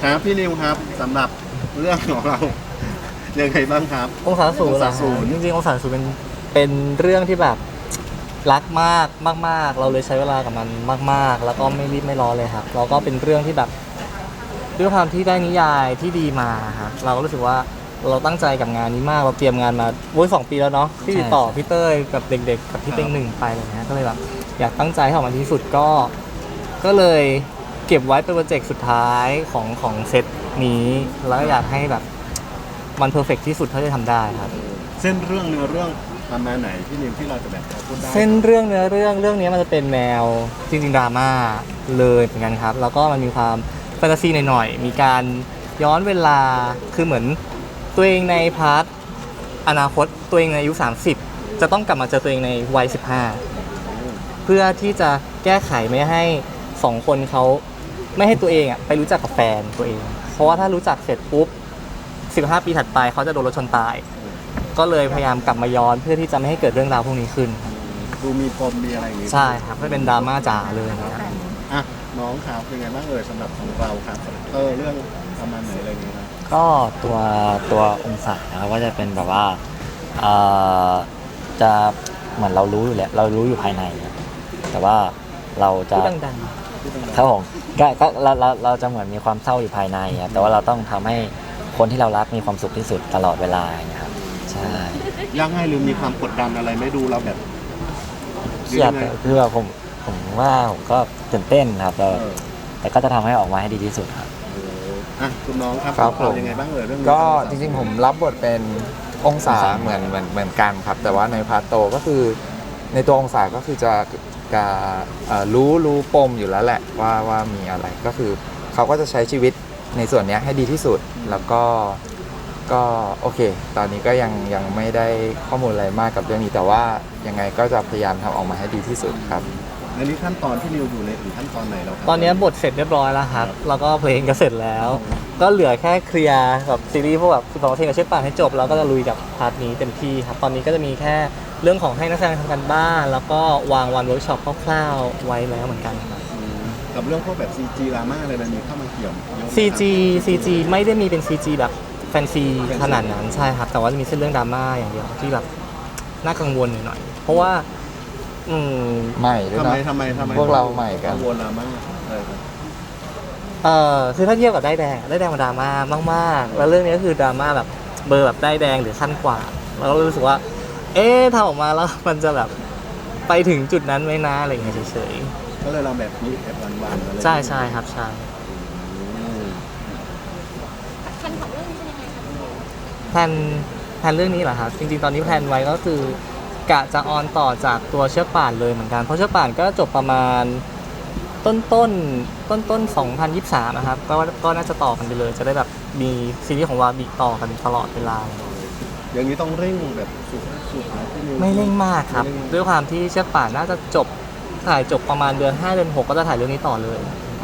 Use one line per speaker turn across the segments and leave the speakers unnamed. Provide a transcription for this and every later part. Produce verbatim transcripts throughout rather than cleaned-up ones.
ครับพี่นิวครับสำหรับเรื่องของเรายังไงบ้างครับ
องศาศูนย์
องศาศูนย์
จริงๆองศาศูนย์เป็นเป็นเรื่องที่แบบรักมากมากๆเราเลยใช้เวลากับมันมากๆแล้วก็ไม่รีบไม่ร้อนเลยครับแล้วก็เป็นเรื่องที่แบบด้วยความที่ได้นิยายที่ดีมาครับเราก็รู้สึกว่าเราตั้งใจกับงานนี้มากเราเตรียมงานมาโว้ยสองปีแล้วเนาะที่ติดต่อพี่เต้ยกับเด็กๆกับพี่เต็งหนึ่งไปอะไรเงี้ยก็เลยแบบอยากตั้งใจให้ออกมาดีที่สุดก็ก็เลยเก็บไว้เป็นโปรเจกต์สุดท้ายของของเซตนี้แล้วก็อยากให้แบบมันเพอร์เฟกที่สุดเท่าที่จะทำได้ครับ
เส้นเรื่องเนื้อเรื่องประมาณไหนพี่นิวที่เราจะแบบพูดได้
เส้นเรื่องเนื้อเรื่องเรื่องนี้มันจะเป็นแนวจริงๆดราม่าเลยเหมือนกันครับแล้วก็มันมีความแฟนตาซีหน่อยๆมีการย้อนเวลาคือเหมือนตัวเองในพาร์ทอนาคตตัวเองในอายุสามสิบจะต้องกลับมาเจอตัวเองในวัยสิบห้าเพื่อที่จะแก้ไขไม่ให้สองคนเขาไม่ให้ตัวเองอ่ะไปรู้จักกับแฟนตัวเองเพราะว่าถ้ารู้จักเสร็จปุ๊บสิบห้าปีถัดไปเขาจะโดนรถชนตายก็เลยพยายามกลับมาย้อนเพื่อที่จะไม่ให้เกิดเรื่องราวพวกนี้ขึ้น
ดูมีปมมีอะไรอย่างงี้
ใช่ครับไม่เป็นดราม่าจ๋าเลยนะครับ
อ่ะน้องครับเป็นไงบ้างเอ่ยสำหรับของเราครับเออเรื่องประมาณไหนอะไรอย่างเงี้ยครับ
ก็ตัวตัวองศานะครับก็จะเป็นแบบว่าเอ่อจะเหมือนเรารู้อยู่แล้วเรารู้อยู่ภายในครับแต่ว่าเราจะ
พูดดัง
ครับผมก็ก็เราเราเราจะเหมือนมีความเศร้าอยู่ภายในครับแต่ว่าเราต้องทำให้คนที่เรารักมีความสุขที่สุดตลอดเวลาอย่างเงี้ยครับใช่
ยังไงหรือมีความกดดันอะไรไม่ดูเราแบบ
เครียดคือแบบผมผมว่าผมก็ตื่นเต้นครับแต่
เออ
แต่ก็จะทำให้ออกมาให้ดีที่สุดครับ
เอออ่ะคุณน้องครับ
ครับ
เรา
ผม
ยังไงบ้างเอ่ยเรื่องนี้
ก็จริงๆผมรับบทเป็นองศาเหมือนเหมือนเหมือนกันครับ แต่ว่าในพาร์ทโตก็คือในตัวองศาก็คือจะจะเอ่อรู้รู้ปมอยู่แล้วแหละว่าว่ามีอะไรก็คือเขาก็จะใช้ชีวิตในส่วนเนี้ยให้ดีที่สุดแล้วก็ก็โอเค ตอนนี้ก็ยังยังไม่ได้ข้อมูลอะไรมากกับเรื่องนี้ แต่ว่ายังไงก็จะพยายามทำออกมาให้ดีที่สุดครับ
ในนี้ขั้นตอนที่นิวอยู่ในถึงขั้นตอนไหนแล้วครับ
ๆตอนนี้บทเสร็จเรียบร้อยแล้วครับแล้วก็เพลงก็เสร็จแล้ว ก็เหลือแค่เคลียร์กับซีรีส์พวกแบบสิบสองเพลงกับเชือกป่านให้จบแล้วก็จะลุยกับพาร์ทนี้เต็มที่ครับตอนนี้ก็จะมีแค่เรื่องของให้นักแสดงทำกันบ้านแล้วก็วางวันเวิร์กช็อปคร่าวๆไว้แล้วเหมือนกันครับ
อืมกับเรื่องพวกแบบ ซี จี ดราม่าอะไรแบบนี้เข้ามาเกี่ยวเยอะไหมครับ
ซี จี ซี จี ไม่ได้มีเป็น ซี จี แบบแฟนซีขนาดนั้นใช่ครับแต่ว่าจะมีเส้นเรื่องดราม่าอย่างเดียวที่แบบน่ากังวลหน่อยๆเพราะว่าอืม
ใหม่ด้วย
ทำไม
นะ
ทำไมทำไม
พวกเราใหม่กัน
กังวลดราม่าอะไรครับ
เอ่อคือถ้าเทียบกับได้ายแดงได้ายแดงมันดราม่ามากๆแล้วเรื่องนี้ก็คือดราม่าแบบเบอร์แบบได้ายแดงหรือขั้นกว่าเราก็รู้สึกว่า เอ๊ะทำออกมาแล้วมันจะแบบไปถึงจุดนั้นไหมนะอะไรอย่างเงี้ยเฉย
ก็เลยเราแบบนี้แบบวันๆอะไร
ๆใช่ใช่ครับใช่
อืม
แผนของเรื่องนี้เป็นยังไงคะพี่นิว
แพลนแพลนเรื่องนี้เหรอครับจริงๆตอนนี้แพลนไว้ก็คือกะจะออนต่อจากตัวเชือกป่านเลยเหมือนกันเพราะเชือกป่านก็จบประมาณต้นต้นต้นต้นๆสองพันยี่สิบสามนะครับก็ก็น่าจะต่อกันไปเลย จะได้แบบมีซีรีส์ของวาบีต่อกันตลอดเวลา
อย่างนี้ต้องเร่งแบบสุดๆนะพี่นิว
ไม่เร่งมากครับ
ไม่เร่ง
ด้วยความที่เชือกป่านน่าจะจบถ่ายจบประมาณเดือนห้าเดือนหกก็จะถ่ายเรื่องนี้ต่อเลย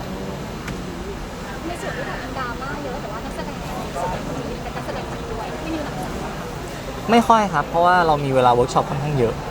ในส่วนที่แบบมันดราม่าเยอะแต่ว่านักแสดงส่วนใหญ่คนนี้เป็นนักแสดงหลักด้วยพี่นิวหนักใจไหมคะ
ไม่ค่อยครับ เพราะว่าเรามีเวลาเวิร์กช็อปค่อนข้างเยอะ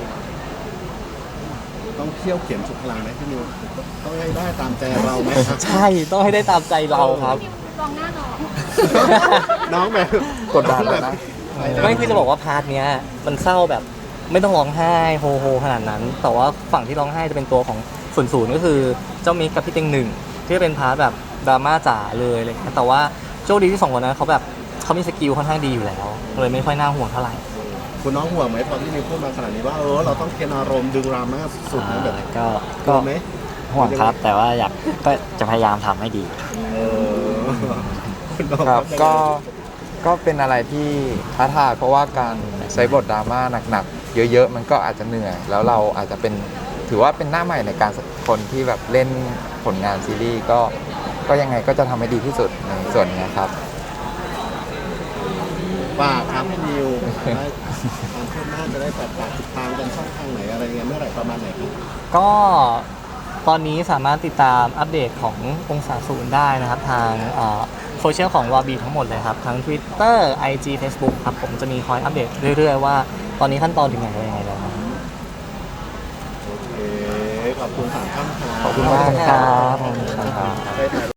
ต้องเที่ยวเขียนสุดพลังไหมพี่นิวต้องให้ได้ตามใจเราไหมครับ
ใช่ต้องให้ได้ตามใจเราครับ
พี่นิวลองหน้าน้อง
น้องแบบ
กดดันแล้วนะ
ไม่คือจะบอกว่าพาร์ทเนี้ยมันเศร้าแบบไม่ต้องร้องไห้โฮโฮขนาดนั้น แต่ว่าฝั่งที่ร้องไห้จะเป็นตัวของศูนย์ศูนย์ก็คือเจ้ามิกกับพี่เต็งหนึ่งที่เป็นพาร์ทแบบดราม่าจ๋าเลยอะไรเลยแต่ว่าโชคดีที่สองคนนั้นเขาแบบเขามีสกิลค่อนข้างดีอยู่แล้วเลยไม่ค่อยน่าห่วงเท่าไหร่
คุณน้องห่วงไหมตอนที่นิวพูดมาขนาดนี้ว่าเออเราต้องเคนอารมณ์ดึงดราม่าสุดๆนะแบบ
ก็
กลั
ก็
วไหม
ห่วงครับ แต่ว่าอยากก็จะพยายามทำให้ดี
เออคุณน้อง
ครับก็ก็เป็นอะไรที่ท้าทายเพราะว่าการใช้บทดราม่าหนักๆเยอะๆมันก็อาจจะเหนื่อย แล้วเราอาจจะเป็นถือว่าเป็นหน้าใหม่ในการคนที่แบบเล่นผลงานซีรีส์ก็ก็ยังไงก็จะทำให้ดีที่สุดในส่วนนี้ครับ
ฝากครับพี่นิวได้ความคืบหน้าจะได้แบบฝากติดตามกันช่องทางไหนอะไรเงี้ยเมื่อไหร่ประมาณไหนครับ
ก็ตอนนี้สามารถติดตามอัปเดตขององศาศูนย์ได้นะครับทางโซเชียลของวาบีทั้งหมดเลยครับ ทั้ง Twitter ไอ จี Facebook ครับผมจะมีคอยอัปเดตเรื่อยๆว่าตอนนี้ขั้นตอนถึงไหนอะไรยังไงแล้วนะครับ
โอเคขอบคุณสามท่านครับ
ขอบคุณมาก
ครับ
ขอบคุณครับ
ได้ถ่าย